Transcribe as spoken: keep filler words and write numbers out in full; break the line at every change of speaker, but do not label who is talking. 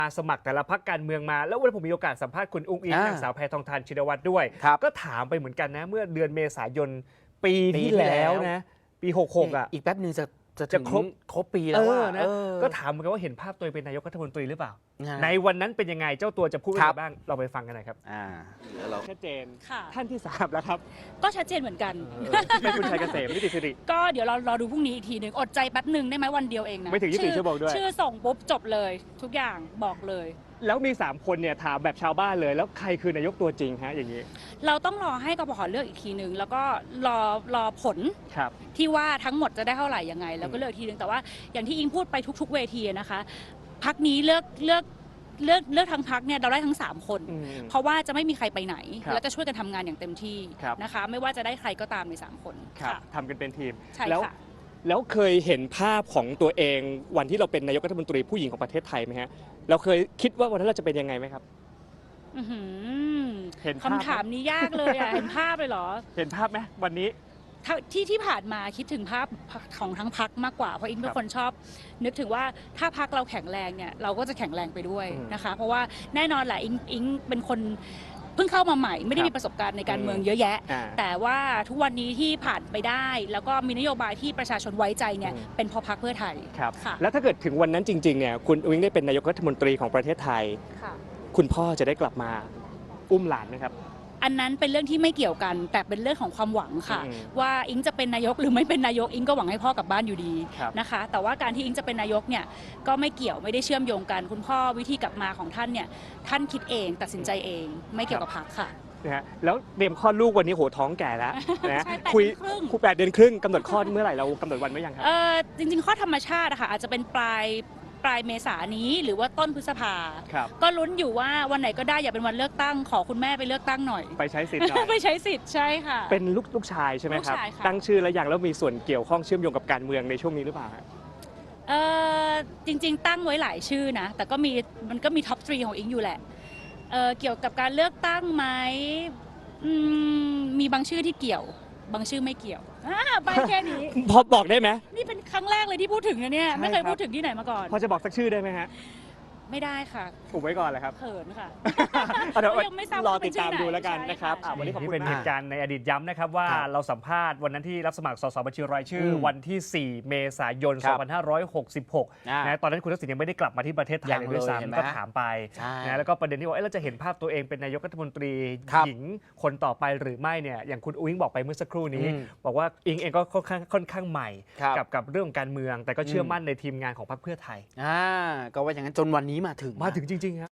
มาสมัครแต่ละพรรคการเมืองมาแล้ววันผมมีโอกาสสัมภาษณ์คุณอุ้งอิงนางสาวแพทองธารชินวัตรด้วยก็ถามไปเหมือนกันนะเมื่อเดือนเมษายนปีที่แล้วนะปีหกสิบหกอ่ะ
อีกแป๊บนึงจะจะ
จะครบ
ครบปีแล้วว่า
นะก็ถามเหมือนกันว่าเห็นภาพตัวเองเป็นนายกรัฐมนตรีหรือเปล่าในวันนั้นเป็นยังไงเจ้าตัวจะพูดอะไรบ้างเราไปฟังกันหน่อยครับชัดเจนท่านที่สามแล้วครับ
ก็ชัดเจนเหมือนกัน
เป็นคุณชัยเกษมนิติสิริ
ก็เดี๋ยวเรารอดูพรุ่งนี้อีกทีหนึ่งอดใจแป๊บหนึ่งได้ไหมวันเดียวเองนะ
ไม่ถึงยี่สิบสี่ชั่วโมงด้วย
ชื่อส่งปุ๊บจบเลยทุกอย่างบอกเลย
แล้วมีสามคนเนี่ยถามแบบชาวบ้านเลยแล้วใครคือนายกตัวจริงฮะอย่างนี้
เราต้องรอให้กปป.เลือกอีกทีหนึ่งแล้วก็รอรอผลที่ว่าทั้งหมดจะได้เท่าไหร่ยังไงแล้วก็เลือกทีหนึ่งแต่ว่าอย่างที่อิงพูดไปทุกๆเวทีนะคะพรรคนี้เลือกเลือกเลือกเลือกทั้งพรรคเนี่ยเราได้ทั้งสามคนเพราะว่าจะไม่มีใครไปไหนแล้วจะช่วยกันทำงานอย่างเต็มที่นะคะไม่ว่าจะได้ใครก็ตามในสามคน
ทำกันเป็นทีม
แล้ว
แล้วเคยเห็นภาพของตัวเองวันที่เราเป็นนายกรัฐมนตรีผู้หญิงของประเทศไทยไหมฮะเราเคยคิดว่าวันนั้นเราจะเป็นยังไงไหมครับ
เห็นคำถามนี้ยากเลยอ่ะเห็นภาพเลยเหรอ
เห็นภาพไหมวันนี้
ที่ที่ผ่านมาคิดถึงภาพของทั้งพักมากกว่าเพราะอิงเป็นคนชอบนึกถึงว่าถ้าพักเราแข็งแรงเนี่ยเราก็จะแข็งแรงไปด้วยนะคะเพราะว่าแน่นอนแหละอิงอิงเป็นคนเพิ่งเข้ามาใหม่ไม่ได้มีประสบการณ์ในการเมืองเยอะแยะแต่ว่าทุกวันนี้ที่ผ่านไปได้แล้วก็มีนโยบายที่ประชาชนไว้ใจเนี่ยเป็นเพราะพรรคเพื่อไทย
ครับแล้วถ้าเกิดถึงวันนั้นจริงๆเนี่ยคุณอุ้งได้เป็นนายกรัฐมนตรีของประเทศไทยคุณพ่อจะได้กลับมาอุ้มหลานไหมครับ
อันนั้นเป็นเรื่องที่ไม่เกี่ยวกันแต่เป็นเรื่องของความหวังค่ะว่าอิงจะเป็นนายกหรือไม่เป็นนายกอิงก็หวังให้พ่อกลับบ้านอยู่ดีนะคะแต่ว่าการที่อิงจะเป็นนายกเนี่ยก็ไม่เกี่ยวไม่ได้เชื่อมโยงกันคุณพ่อวิธีกลับมาของท่านเนี่ยท่านคิดเองตัดสินใจเองไม่เกี่ยวกับพรรคค่ะ
นะฮะแล้วเตรียมคลอดลูกวันนี้โหท้องแก่แล้วนะคุยคุยแปดเดือนครึ่งกำหนดคลอดเมื่อไหร่เรากำหนดวันไว้ยังครับ
เออจริงๆคลอดธรรมชาติอะค่ะอาจจะเป็นปลายปลายเมษายนนี้หรือว่าต้นพฤษภาก็ลุ้นอยู่ว่าวันไหนก็ได้อย่าเป็นวันเลือกตั้งขอคุณแม่ไปเลือกตั้งหน่อย
ไปใช้สิทธิ์หน่อย
ไปใช้สิทธิ์ใช่ค่ะ
เป็นลูกลูกชายใช่ไหมครับตั้งชื่อแล้วอย่างแล้วมีส่วนเกี่ยวข้องเชื่อมโยงกับการเมืองในช่วงนี้หรือเปล่า
เออจริงๆตั้งไว้หลายชื่อนะแต่ก็มีมันก็มีท็อปทรีของอิงอยู่แหละเออเกี่ยวกับการเลือกตั้งไหมมีบางชื่อที่เกี่ยวบางชื่อไม่เกี่ยวใบแค่นี้
พอบอกได้ไหม
นี่เป็นครั้งแรกเลยที่พูดถึงนะเนี่ยไม่เคยพูดถึงที่ไหนมาก่อน
พอจะบอกสักชื่อได้ไหมฮะ
ไม่ได้ค่ะ
ถูกไว้ก่อนเลยครับ
เขินค่ะ
เดี๋ยวรอติดตามดูแล้วกันนะครับวันนี้
เป็นเหตุการณ์ในอดีตย้ำนะครับว่าเราสัมภาษณ์วันนั้นที่รับสมัครสสบัญชีรายชื่อวันที่สี่เมษายนสองพันห้าร้อยหกสิบหกนะตอนนั้นคุณทักษิณยังไม่ได้กลับมาที่ประเทศไทยเลยด้วยซ้ำก็ถามไปนะแล้วก็ประเด็นที่ว่าเราจะเห็นภาพตัวเองเป็นนายกรัฐมนตรีหญิงคนต่อไปหรือไม่เนี่ยอย่างคุณอุ้งบอกไปเมื่อสักครู่นี้บอกว่าอิงเองก็ค่อนข้างค่อนข้างใหม่กับกับเรื่องการเมืองแต่ก็เชื่อมั่นในทีมงานของพรรคเพื่อไทยก็ว่าอย่างนั้นจนวันนี้มาถึง
มาถึงจริงๆครับ